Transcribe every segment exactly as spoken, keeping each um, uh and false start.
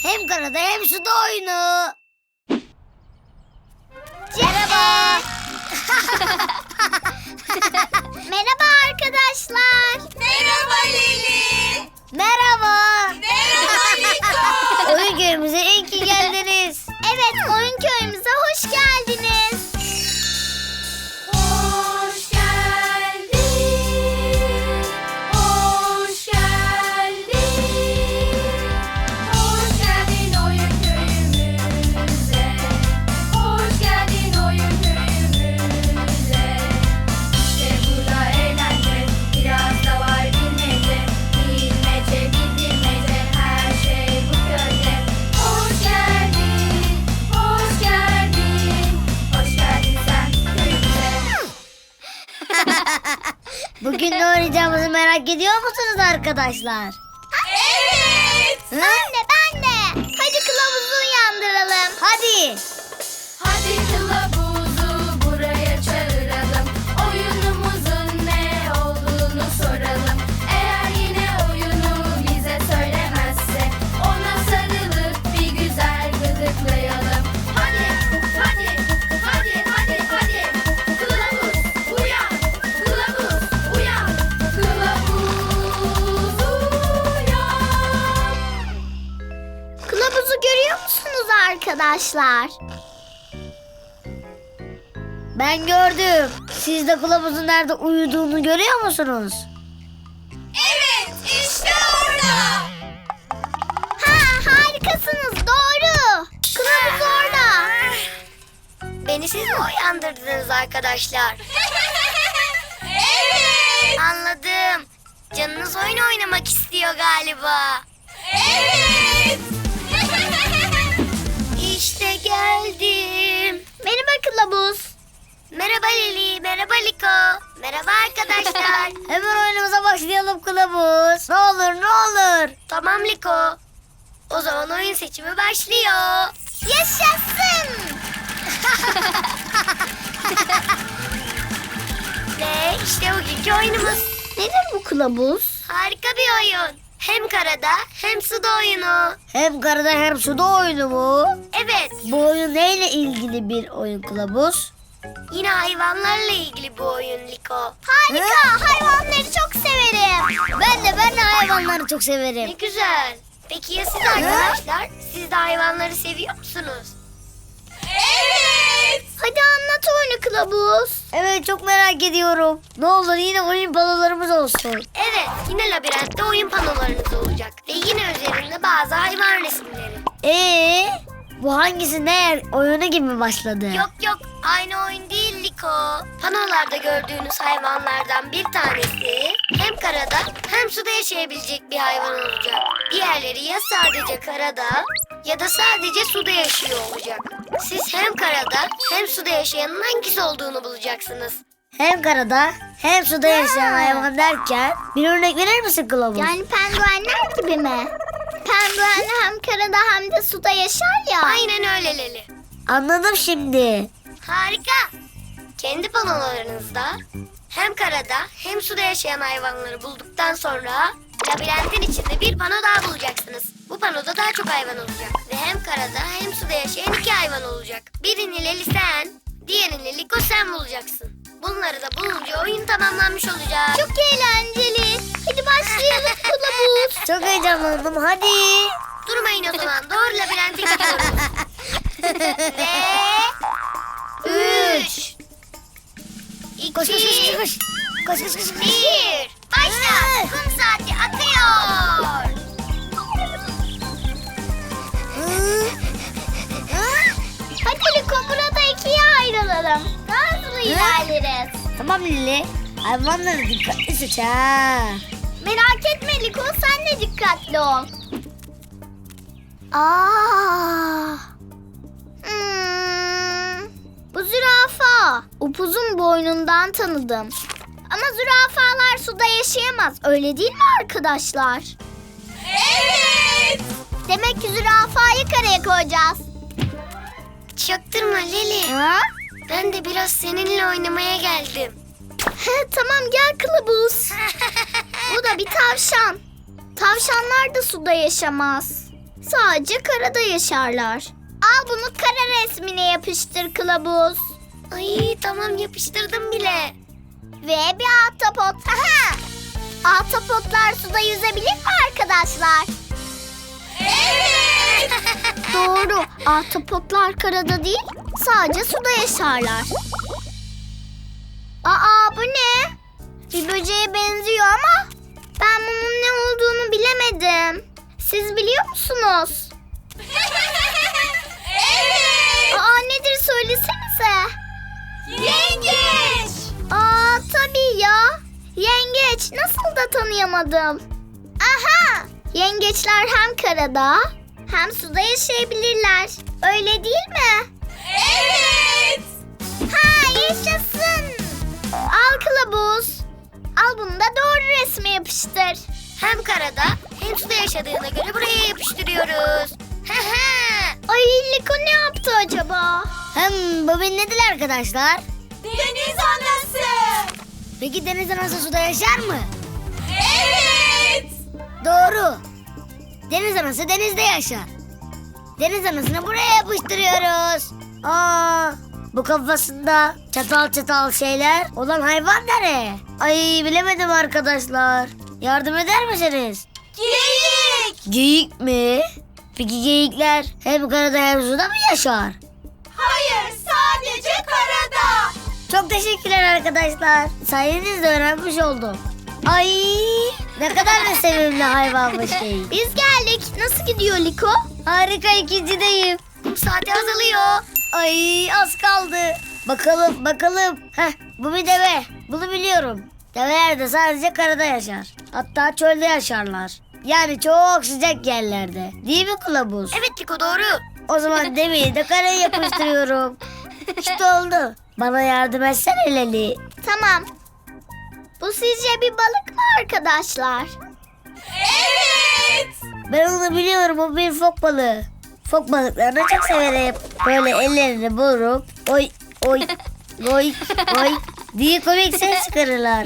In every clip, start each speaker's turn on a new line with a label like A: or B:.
A: hem karada hem suda oyunu.
B: Merhaba. Merhaba arkadaşlar.
C: Merhaba Leli.
A: Merhaba.
C: Merhaba Liko.
A: Oyun köyümüze iyi ki geldiniz.
B: Evet, oyun köyümüze hoş geldiniz.
C: Hoş geldin. Hoş geldin. Hoş geldin oyun köyümüze. Hoş geldin oyun köyümüze. İşte burada eğlence, biraz da var bilmece. Bilmece, bilmece, her şey bu köyde. Hoş geldin, hoş geldin. Hoş geldin sen köyümüze.
A: Bugün ne oynayacağımızı merak ediyor musunuz arkadaşlar?
C: Evet.
A: Hı?
B: Ben de ben de. Hadi kılavuzu uyandıralım.
A: Hadi.
C: Hadi kılavuzu buraya çağıralım. Oyunumuzun ne olduğunu soralım. Eğer yine oyunu bize söylemezse ona sarılıp bir güzel gıdıklayalım. Hadi, hadi, hadi, hadi, hadi. Kılavuz uyan, kılavuz uyan, kılavuz uyan.
B: Kılavuzu görüyor musunuz arkadaşlar?
A: Ben gördüm. Siz de kılavuzun nerede uyuduğunu görüyor musunuz?
C: Evet, işte orada.
B: Ha, harikasınız, doğru. Kılavuz orada.
A: Beni siz mi uyandırdınız arkadaşlar?
C: Evet.
A: Anladım. Canınız oyun oynamak istiyor galiba.
C: Evet.
A: İşte geldim.
B: Merhaba kılavuz.
A: Merhaba Leli, merhaba Liko. Merhaba arkadaşlar. Hemen oyunumuza başlayalım kılavuz. Ne olur ne olur. Tamam Liko. O zaman oyun seçimi başlıyor.
B: Yaşasın.
A: Ve işte bugünkü oyunumuz.
B: Nedir bu kılavuz?
A: Harika bir oyun. Hem karada hem suda oyunu. Hem karada hem suda oyunu mu? Evet. Bu oyun neyle ilgili bir oyun kılavuz? Yine hayvanlarla ilgili bu oyun Liko.
B: Harika, hayvanları çok severim.
A: Ben de ben de hayvanları çok severim. Ne güzel. Peki ya siz arkadaşlar? Siz de hayvanları seviyor musunuz?
C: Evet.
B: Hadi anlat oyunu kılavuz.
A: Evet çok merak ediyorum. Ne olur yine oyun panolarımız olsun. Evet yine labirentte oyun panolarınız olacak. Ve yine üzerinde bazı hayvan resimleri. Ee, bu hangisi ne oyunu gibi başladı? Yok yok aynı oyun değil Liko. Panolarda gördüğünüz hayvanlardan bir tanesi hem karada hem suda yaşayabilecek bir hayvan olacak. Diğerleri ya sadece karada ya da sadece suda yaşıyor olacak. Siz hem karada hem suda yaşayanın hangisi olduğunu bulacaksınız. Hem karada hem suda yaşayan hayvan derken bir örnek verir misin kılavuz?
B: Yani penguenler gibi mi? Penguen hem karada hem de suda yaşar ya.
A: Aynen öyle Leli. Anladım şimdi. Harika. Kendi panolarınızda hem karada hem suda yaşayan hayvanları bulduktan sonra labirentin içinde bir pano daha bulacaksınız. Bu panoda daha çok hayvan olacak. Ve hem karada hem suda yaşayan iki hayvan olacak. Birini Leli sen, diğerini Liko sen bulacaksın. Bunları da bulunca oyun tamamlanmış olacak.
B: Çok eğlenceli. Hadi başlayalım kılavuz.
A: Çok heyecanlandım hadi. Durmayın o zaman doğru labirente gidiyoruz. Ve üç iki koş, koş, koş, koş. Koş, koş, koş, koş. Bir başla. Kum saati akıyor.
B: Hadi Liko, burada ikiye ayrılalım. Daha hızlı ilerleriz.
A: Tamam Lili. Hayvanları dikkatli seç ha.
B: Merak etme Liko, sen de dikkatli ol. Aa. Hmm. Bu zürafa. Upuzun boynundan tanıdım. Ama zürafalar suda yaşayamaz. Öyle değil mi arkadaşlar?
C: Evet.
B: Demek ki zürafayı karaya koyacağız.
A: Çaktırma Lili.
B: Ha?
A: Ben de biraz seninle oynamaya geldim.
B: Tamam gel kılavuz. Bu da bir tavşan. Tavşanlar da suda yaşamaz. Sadece karada yaşarlar. Al bunu kara resmine yapıştır kılavuz.
A: Ay tamam, yapıştırdım bile.
B: Ve bir ahtapot. Aha! Ahtapotlar suda yüzebilir mi arkadaşlar?
C: Evet.
B: Doğru. Ahtapotlar karada değil, sadece suda yaşarlar. Aa, bu ne? Bir böceğe benziyor ama ben bunun ne olduğunu bilemedim. Siz biliyor musunuz?
C: Evet.
B: Aa, nedir söylesenize.
C: Yengeç.
B: Aa, tabii ya. Yengeç. Nasıl da tanıyamadım. Aha! Yengeçler hem karada hem suda yaşayabilirler. Öyle değil mi?
C: Evet.
B: Ha, yaşasın. Al kılavuz. Al bunu da doğru resme yapıştır.
A: Hem karada hem suda yaşadığına göre buraya yapıştırıyoruz.
B: Ay, Liko ne yaptı acaba?
A: Hem bugün nedir arkadaşlar?
C: Deniz anası.
A: Peki deniz anası suda yaşar mı?
C: Evet.
A: Doğru. Deniz anası denizde yaşar. Deniz anasını buraya yapıştırıyoruz. Aa, bu kafasında çatal çatal şeyler olan hayvan nereye? Ay, bilemedim arkadaşlar. Yardım eder misiniz?
C: Geyik.
A: Geyik mi? Peki geyikler hem karada hem suda mı yaşar?
C: Hayır, sadece karada.
A: Çok teşekkürler arkadaşlar. Sayenizde öğrenmiş oldum. Ay, ne kadar da sevimli hayvanmış geyik.
B: Biz geldik. Nasıl gidiyor Liko?
A: Harika, ikincideyim. Kum saati azalıyor. Ay, az kaldı. Bakalım bakalım. Heh, bu bir deve. Bunu biliyorum. Develer de sadece karada yaşar. Hatta çölde yaşarlar. Yani çok sıcak yerlerde. Değil mi kılavuz? Evet Liko, doğru. O zaman deveyi de karaya yapıştırıyorum. İşte oldu. Bana yardım etsene Leli.
B: Tamam. Bu sizce bir balık mı arkadaşlar?
C: Evet.
A: Ben onu biliyorum, o bir fok balığı. Fok balıklarını çok severim. Böyle ellerini vurup oy oy oy oy diye komik ses çıkarırlar.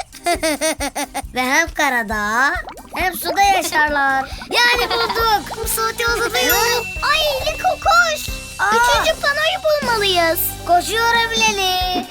A: Ve hem karada hem suda yaşarlar. Yani bulduk. Bu saati uzatıyor.
B: Ay Liko koş.
A: Aa.
B: Üçüncü panoyu bulmalıyız.
A: Koşuyorum Leli.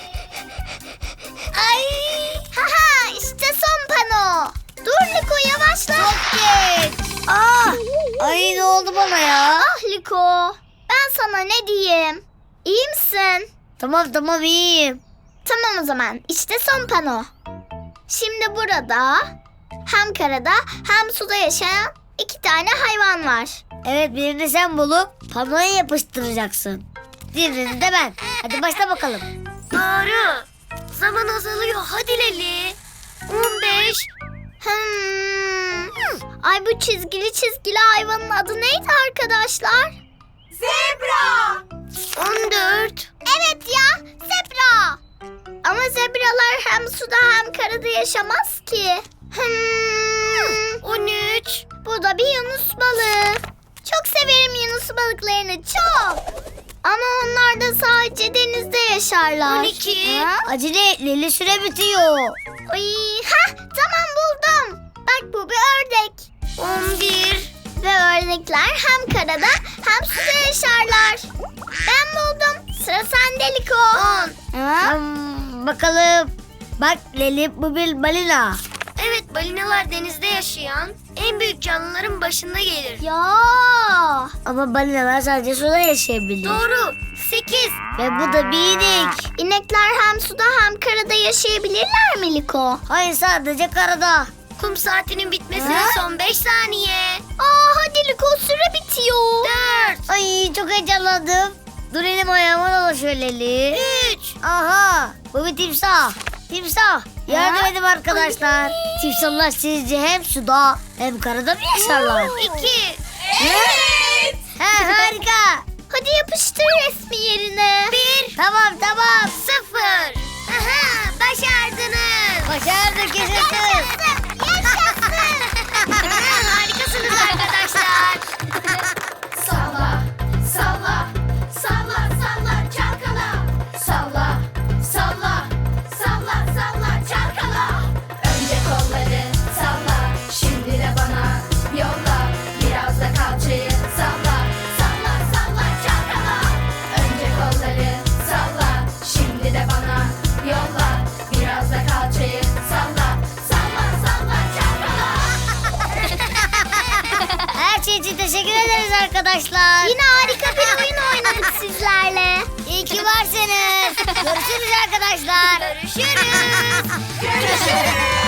A: Ay.
B: Haha, işte son pano. Dur Liko, yavaşla.
A: Çok geç. Aa. Ay, ne oldu bana ya?
B: Ah Liko, ben sana ne diyeyim? İyi misin?
A: Tamam tamam, iyiyim.
B: Tamam o zaman, işte son pano. Şimdi burada hem karada hem suda yaşayan iki tane hayvan var.
A: Evet, birini sen bulup panoya yapıştıracaksın. Diğerini de ben. Hadi başla bakalım. Doğru. Zaman azalıyor. Hadi Leli. on beş.
B: Hmm. Ay, bu çizgili çizgili hayvanın adı neydi arkadaşlar?
C: Zebra.
A: on dört.
B: Evet ya, zebra. Ama zebralar hem suda hem karada yaşamaz ki. Hmm.
A: on üç.
B: Bu da bir yunus balığı. Çok severim yunus balıklarını, çok. Ama onlar da sadece denizde yaşarlar.
A: on iki.
B: Ha?
A: Acele et Leli, süre bitiyor.
B: Ay, ha, tamam buldum. Bak, bu bir ördek.
A: on bir.
B: Ve ördekler hem karada hem suda yaşarlar. Ben buldum. Sıra sende Liko.
A: on. Hmm, bakalım. Bak Leli, bu bir balina. Evet, balinalar denizde yaşayan en büyük canlıların başında gelir.
B: Ya.
A: Ama balinalar sadece suda yaşayabilir. Doğru. sekiz. Ve bu da bir inek.
B: İnekler hem suda hem karada yaşayabilirler mi Liko?
A: Hayır, sadece karada. Kum saatinin bitmesine
B: Ha?
A: son beş saniye.
B: Aa, hadi Liko, süre bitiyor.
A: dört. Ay, çok heyecanlandım. Dur, elim ayağıma dolaşıyor Leli. üç. Aha, bu bir timsah. Timsah. Yardım
B: Ha?
A: edin arkadaşlar. Timsahlar sizce hem suda hem karada mı yaşarlar? iki.
C: Evet.
A: Ha, harika.
B: Hadi yapıştır resmi yerine.
A: Bir. Tamam tamam. Sıfır. Aha, başardınız. Başardık, yaşasın.
B: Yaşasın.
A: Harikasınız arkadaşlar.
C: Salla, salla, salla, salla çalkala. Salla, salla, salla, salla çalkala. Önce kolları salla, şimdi de bana yolla. Biraz da kalçayı
A: arkadaşlar.
B: Yine harika bir oyun oynadık sizlerle.
A: İyi ki varsınız. Görüşürüz arkadaşlar.
C: Görüşürüz. Görüşürüz.